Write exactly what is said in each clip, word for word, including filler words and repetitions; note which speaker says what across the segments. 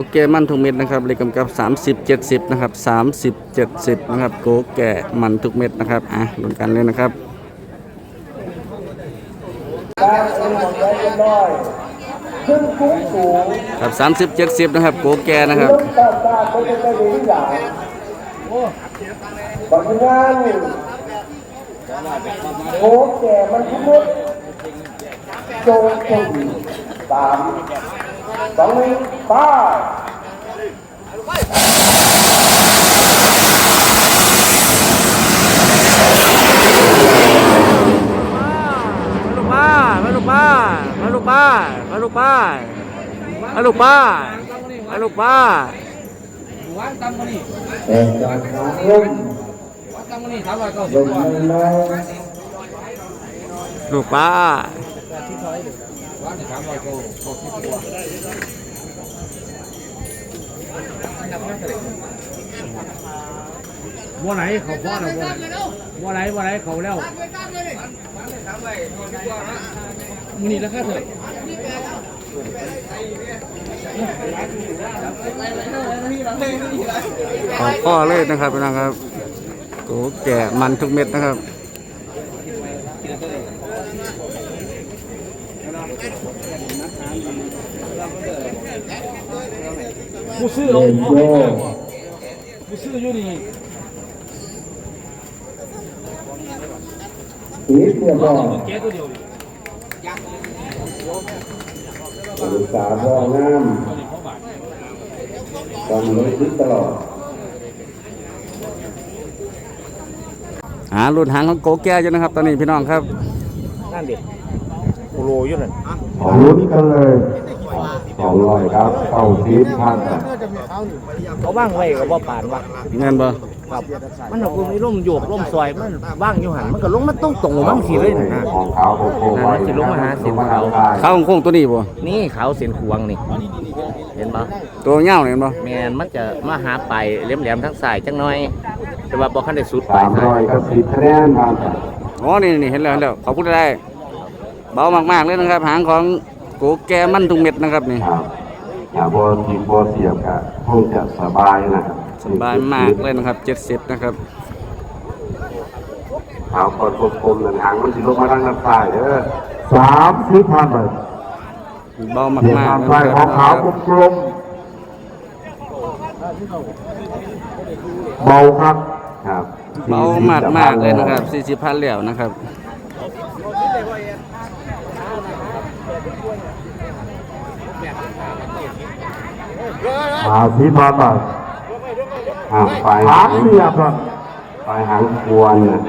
Speaker 1: แก่มันทุกเม็ดนะครับเลขกำกับสามสิบ เจ็ดสิบนะครับสามสิบ เจ็ดสิบนะครับโกแก่มันทุกเม็ดนะครับอ่ะลุ้นกันเลยนะครับครับสามสิบ เจ็ดสิบนะครับโกแก่นะครับ
Speaker 2: บางงานโกแก่มันทุกเม็ดโจงจงสามสองหนึ่งป้า
Speaker 1: มาลูกป้ามาลูกป้ามาลูกป้ามาลูกป้ามาลูกป้า
Speaker 2: วางตำมันนี่เออจากน้องลุ่มวางตำมันนี่สามร้อยเก้าสิบกว่า
Speaker 1: ลูกป้าว
Speaker 2: างสามร้อยเก้าสิบกว่า
Speaker 3: ว่าไหนเขาพ่อเราว่าไหนว่าไหนเขาแล้วมือนี่แล้วแค่เท่าไหร่
Speaker 1: ขอข้อเลยนะครับพี่น้องครับโกแก่มันทุกเม็ดนะครับ
Speaker 3: กูซื้อเอากูซื้ออยู่นี่
Speaker 2: อีกเดียวก็
Speaker 3: แกตัวเดียว
Speaker 2: ศึกษาบ่องามตอนนี้คิดตลอด
Speaker 1: หารุ่นหางของโกแก่อยู่นะครับตอนนี้พี่น้องครับ
Speaker 3: นั่นเด็กโคโลอยู่นั่น
Speaker 2: ของรุ่นกันเลยสองร้อยครับเข้าซีดพัน
Speaker 3: เขาว่างไว้กับว่าปานว่ะ
Speaker 1: เงินบ่
Speaker 3: ครับมันเอาคุณมีร่มโยกร่มซอยมันว่างอยู่หันมันก็ลงมันต้องตรงมั่งสีเลยนะ
Speaker 2: ของเขาโค้ง
Speaker 3: ๆสิลงมาหาเส้นเขา
Speaker 1: เขาโค้งตัวนี้บ่
Speaker 3: นี่เขาเส้นขวงนี่เห็นป่ะ
Speaker 1: ตัวเงาเห็นบ่
Speaker 3: แมนมันจะมาหาไปแหลมๆทั้งสายจังน้อยแต่ว่าบอกขั้นได้สุดไป
Speaker 2: สามร้อยกับสิบคะแนนครับ
Speaker 1: อ๋อนี่นี่เห็นแล้วเห็นแล้วเขาพูดได้เบามากๆเลยนะครับหางของโกแก่มันทุกเม็ดนะครับนี่
Speaker 2: อย่าโบทีโบเสียบครับคงจะสบายนะครับ
Speaker 1: สบายมากเลยนะครับเจ็ดสิบนะครับ
Speaker 2: เอากดกลมๆหนึ่งหางมันสิลงมาทางด้านซ้ายเด้อสามสิบพันเลย
Speaker 1: เบามากๆเลย
Speaker 2: ของขาวกลมเบาครับครับ
Speaker 1: เบามากมากเลยนะครับสี่สิบพันเหลี่ยวนะครับ
Speaker 2: หาสิบพันบาทอ่าไปหางเสียบครับไปหางควรนะ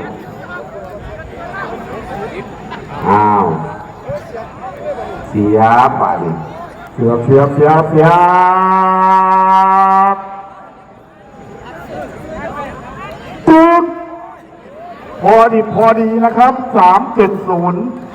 Speaker 2: อ้าวเสียไปเสียบเสียบเสียบเสียบตุ๊ดพอดีพอดีนะครับสามเจ็ดศูนย์